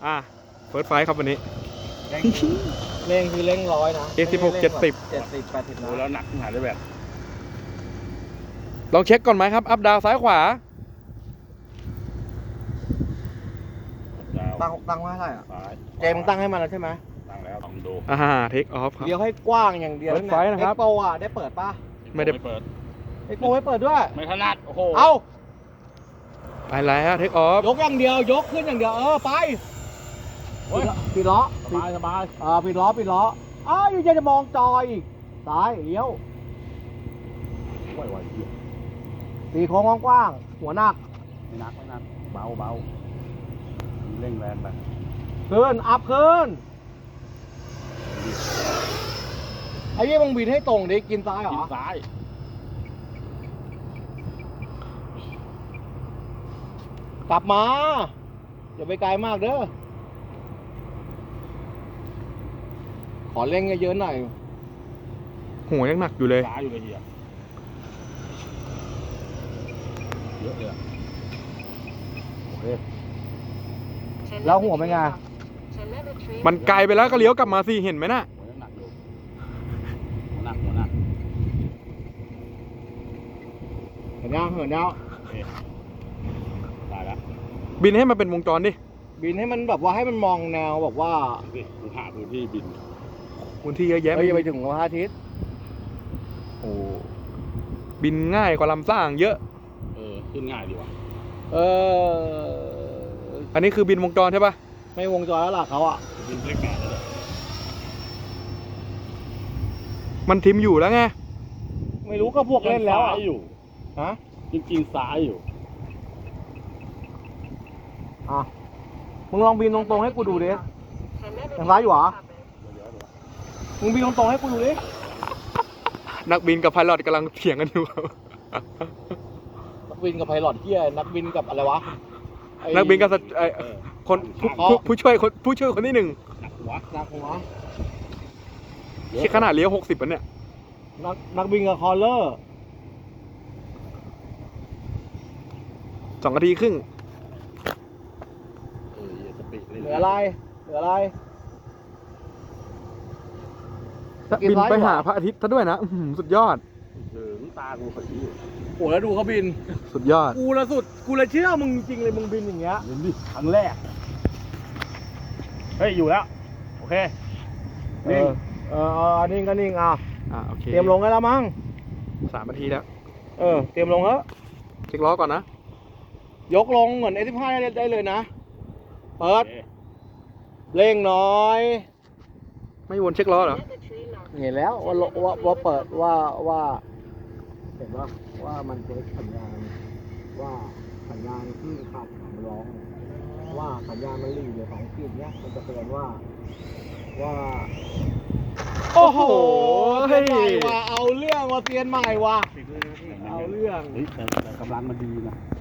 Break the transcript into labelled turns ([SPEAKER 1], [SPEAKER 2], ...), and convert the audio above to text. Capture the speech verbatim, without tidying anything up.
[SPEAKER 1] อ่ะเฟิร์สไฟครับวันนี้
[SPEAKER 2] เร่งคือเร่งร้อยนะ
[SPEAKER 1] เอสิบหก เจ็ดสิบ
[SPEAKER 2] เจ็ดสิบแปดสิบ
[SPEAKER 3] โอ้
[SPEAKER 2] นะ
[SPEAKER 3] แล้วหนักหนาได้แบบ
[SPEAKER 1] ลองเช็คก่อนไหมครับ อัพดาวซ้ายขวา
[SPEAKER 2] ตั้งตั้งไว้เท่าไหร่อ่ะ
[SPEAKER 3] ซ้าย
[SPEAKER 2] เจมึงตั้งให้มันแล้วใช่ไหม
[SPEAKER 3] ตั้งแล้วลองดู
[SPEAKER 1] อ่าเทคออฟครับ
[SPEAKER 2] เลี้ยวให้กว้างอย่างเดียว
[SPEAKER 1] เปิดไฟนะครับ
[SPEAKER 2] เอ็กโปอ่ะได้เปิดป่ะ
[SPEAKER 1] ไม่ได้
[SPEAKER 3] เปิด
[SPEAKER 2] เอ็กโปไม่เปิดด้วย
[SPEAKER 3] ไม่ถนัดโอ้โห
[SPEAKER 2] เอา
[SPEAKER 1] ไปแล้วเทคออฟ
[SPEAKER 2] ยกอย่างเดียวยกขึ้นอย่างเดียวเออไปปิดล้อ
[SPEAKER 3] สบายสบาย
[SPEAKER 2] อ่าปิดล้อปิดล้ออ้าวยังจะมองจอยอีกซ้ายเลี้ยว
[SPEAKER 3] ไหวไหวเหี้ย
[SPEAKER 2] ตีโค้งกว้างๆหัวหนัก
[SPEAKER 3] ไม่หนักไม่หนักเบาเบาเร่งแรงไป
[SPEAKER 2] ขึ้นอัพขึ้นไอ้ยี่มึงบิดให้ตรงดิกินซ้ายเหร
[SPEAKER 3] กิน
[SPEAKER 2] อ
[SPEAKER 3] ซ้าย
[SPEAKER 2] กลับมาอย่าไปไกลมากเด้อขอเร่งเยอะๆหน่อย
[SPEAKER 1] หัวยังหนักอยู่เลย
[SPEAKER 3] ซ้ายอยู่เลยเฮียเยอะเลยอะโอเค
[SPEAKER 2] แล้วหัวเป็นไง
[SPEAKER 1] มันไกลไปแล้วก็เลี้ยวกลับมาสิเห็นไหมน่ะ
[SPEAKER 3] หัวยังหนักอยู่หัวหนักหัวหนัก
[SPEAKER 2] เห็นยังเห็นยัง
[SPEAKER 3] โอเคตายแล้ว
[SPEAKER 1] บินให้มันเป็นวงจรดิ
[SPEAKER 2] บินให้มันแบบว่าให้มันมองแนวแบบว่า
[SPEAKER 3] ดูสิกูหาพื้นที่บิน
[SPEAKER 1] พื้นที่เยอะแยะ
[SPEAKER 2] เอ้ยอย่าไปถึงพระอาทิตย์
[SPEAKER 1] โอ้บินง่ายกว่าลำสร้างเยอะ
[SPEAKER 3] เออขึ้นง่ายดีว่ะ
[SPEAKER 2] เออ
[SPEAKER 1] อันนี้คือบินวงจรใช่ปะ
[SPEAKER 2] ไม่วงจรแล้วล่ะเขาอ่ะ
[SPEAKER 3] บินเลขแปดเลย
[SPEAKER 1] มันทิมอยู่แล้วไง
[SPEAKER 2] ไม่รู้ก็พวกเล่นแล้ว
[SPEAKER 3] ซ้า
[SPEAKER 2] อ่ะ
[SPEAKER 3] ยอยู่
[SPEAKER 2] ฮะ
[SPEAKER 3] จริงๆซ้ายอยู่
[SPEAKER 2] อ่ะมึงลองบินตรงๆให้กูดูดิยังซ้ายอยู่เหรอมึงบินตรงๆให้กูดูดิ
[SPEAKER 1] นักบินกับไพลอตกำลังเถียงกันอยู่ครับ
[SPEAKER 2] นักบินกับไพลอตเที่ยนักบินกับอะไรวะไอ้
[SPEAKER 1] นักบินกับสไอ้คนผู้ผู้ผู้ช่วยคนผู้ช่วยคนที่หนึ่ง
[SPEAKER 3] หนักหัว
[SPEAKER 2] นักหัว
[SPEAKER 1] ที่ขนาดเลี้ยวหกสิบปะเนี่ย
[SPEAKER 2] นักนักบินกับคอลเลอร์
[SPEAKER 1] สองนาทีครึ่ง
[SPEAKER 3] เอออย่าสปีดเลย
[SPEAKER 2] เหลืออะไรเหลืออะไร
[SPEAKER 1] บินไปหาพระอาทิตย์ซะด้วยนะอื้อหือสุดยอด
[SPEAKER 3] ถึงตากูขยี้อยู่
[SPEAKER 2] โอ้แล้วดูเขาบิน
[SPEAKER 1] สุดยอด
[SPEAKER 2] กูละสุดกูเลยเชื่อมึงจริงเลยมึงบินอย่างเงี้ย
[SPEAKER 3] เห็นดิครั้งแรก เฮ้ย อยู่แล้ว โอเค
[SPEAKER 2] เออเออเออนิ่งก็นิ่งอ่ะ
[SPEAKER 1] อ่าโอเค
[SPEAKER 2] เตรียมลงได้แล้วมั้ง
[SPEAKER 1] สามนาทีแล้ว
[SPEAKER 2] เออเตรียมลงเถอะ
[SPEAKER 1] เช็คล้อก่อนนะ
[SPEAKER 2] ยกลงเหมือน เอ สิบห้า ได้ได้เลยนะเปิ
[SPEAKER 3] โอ
[SPEAKER 2] ด
[SPEAKER 3] เค
[SPEAKER 2] เร่งน้อย
[SPEAKER 1] ไม่วนเช็คล้อเหรอ
[SPEAKER 2] เห็นแล้วว่าว่าว่าเปิดว่าว่าเห็นว่าว่ามันเช็คสัญญาณว่าสัญญาณที่ขาดสำรอง ว่าสัญญาณมันหลีเหลือสองขีดเนี้ยมันจะเตือนว่าว่า
[SPEAKER 1] โอ้โห
[SPEAKER 2] เซียนใหม่ว่ะเอาเรื่องว่าเซียนใหม่ว่ะเอาเรื่อง
[SPEAKER 3] เฮ้ยแต่แต่กำลังมันดีนะ